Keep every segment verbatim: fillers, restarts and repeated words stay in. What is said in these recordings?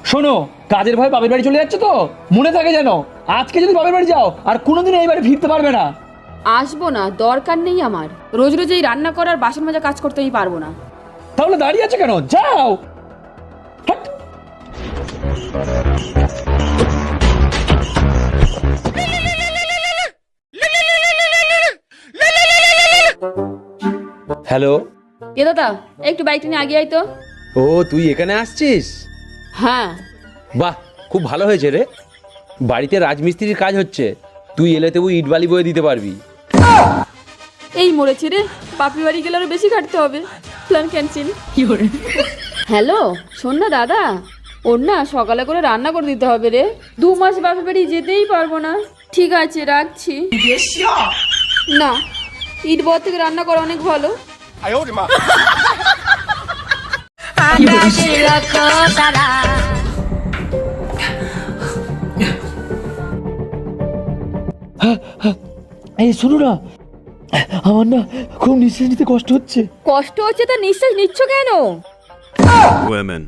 শোনো, কাজের ভয় বাপের বাড়ি চলে যাচ্ছে তো, মনে থাকে যেন আজকে যদি বাপের বাড়ি যাও আর কোনোদিন এই বাড়ি ফিরতে পারবে না। আসবো না, দরকার নেই আমার। রোজ রোজ এই রান্না করার বাসন মাজা কাজ করতে আমি পারবো না। তাহলে দাঁড়িয়ে আছে কেন, যাও। হাট। হ্যালো। এ দাদা, একটু বাইকটা নিয়ে আগে আয় তো। ও তুই এখানে আসছিস? হ্যাঁ। বাহ, খুব ভালো হয়েছে রে। বাড়িতে রাজমিস্ত্রির কাজ হচ্ছে, তুই এলে তবু ইট বালি বয়ে দিতে পারবি। এই মরেছে রে, বাপি বাড়ি গেলে আরো বেশি কাটতে হবে। Plan cancel. হ্যালো, শোন না দাদা, ওর না সকালে করে রান্না করে দিতে হবে রে। দু মাস বাপি বাড়ি যেতেই পারবো না। ঠিক আছে, রাখছি। না, ইট বর থেকে রান্না করা অনেক ভালো। এই শোনো না, আমার না খুব নিঃশ্বাস নিতে কষ্ট হচ্ছে। কষ্ট হচ্ছে তা নিঃশ্বাস নিচ্ছ কেন? Women.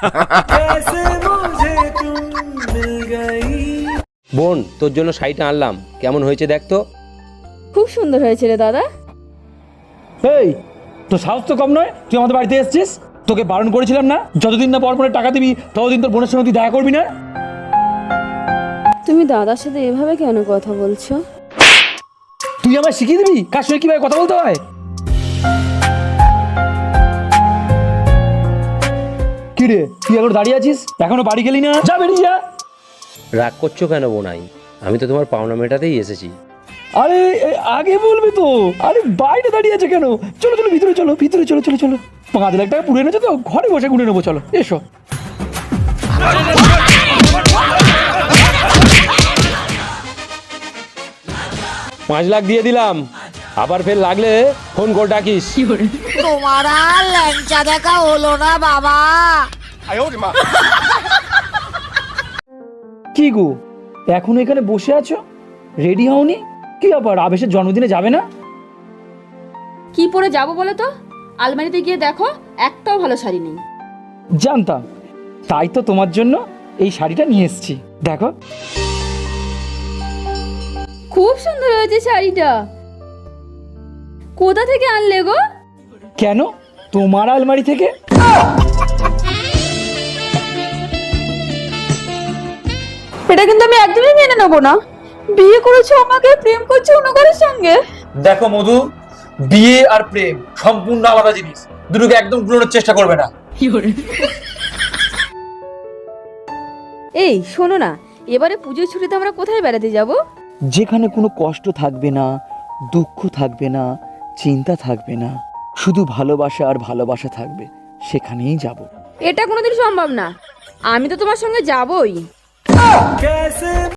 বোন, তোর জন্য শাড়িটা আনলাম, কেমন হয়েছে দেখ তো। খুব সুন্দর হয়েছে রে দাদা। এই, তোর সাহস তো কম নয়, তুই আমাদের বাড়িতে এসেছিস। তোকে বারণ করেছিলাম না, যতদিন না পরপরে টাকা দিবি ততদিন তোর বোনের সঙ্গে তুই দেখা করবি না। তুমি দাদার সাথে এভাবে কেন কথা বলছো? তুই আমায় শিখিয়ে দিবি কার সঙ্গে কিভাবে কথা বলতে হয়। কি রে, তুই এখন দাঁড়িয়ে আছিস, এখনো বাড়ি গেলি না? যা, বেরিয়ে যা। রাগ করছো কেন বোনাই? আমি তো তোমার পাওনা মেটাতেই এসেছি। আরে এ, আগে বলবি তো। আরে বাইরে দাঁড়িয়ে আছে কেন? চলো চলো, ভিতরে চলো, ভিতরে চলো, চলো চলো। পাঁচ লাখ টাকা পুড়ে এনেছো তো, ঘরে বসে গুনে নেবো, চলো এসো। পাঁচ লাখ দিয়ে দিলাম, আবার ফের লাগলে ফোন করে ডাকিস। তোমার আর ল্যাংচা দেখা হলো না বাবা। কি গো, এখন এখানে বসে আছো, রেডি হওনি? কি ব্যাপার, আবেশের জন্মদিনে যাবে না? কি পরে যাবো বলো তো? আলমারিতে গিয়ে দেখো, একটাও ভালো শাড়ি নেই। জানতাম, তাই তো তোমার জন্য এই শাড়িটা নিয়ে এসেছি, দেখো। খুব সুন্দর হয়েছে শাড়িটা। কোথা থেকে আনলে গো? কেন, তোমার আলমারি থেকে। এটা কিন্তু আমি একদমই মেনে নেবো না। বিয়ে করেছো আমাকে, প্রেম করছো অন্য কারোর সঙ্গে। দেখো মধু, বিয়ে আর প্রেম সম্পূর্ণ আলাদা জিনিস, দুটোকে একদম গুলোনোর চেষ্টা করবে না। এই শোনো না, এবারে পুজোর ছুটিতে আমরা কোথায় বেড়াতে যাব? যেখানে কোনো কষ্ট থাকবে না, দুঃখ থাকবে না, চিন্তা থাকবে না, শুধু ভালোবাসা আর ভালোবাসা থাকবে, সেখানেই যাব। এটা কোনোদিন সম্ভব না। আমি তো তোমার সঙ্গে যাবই।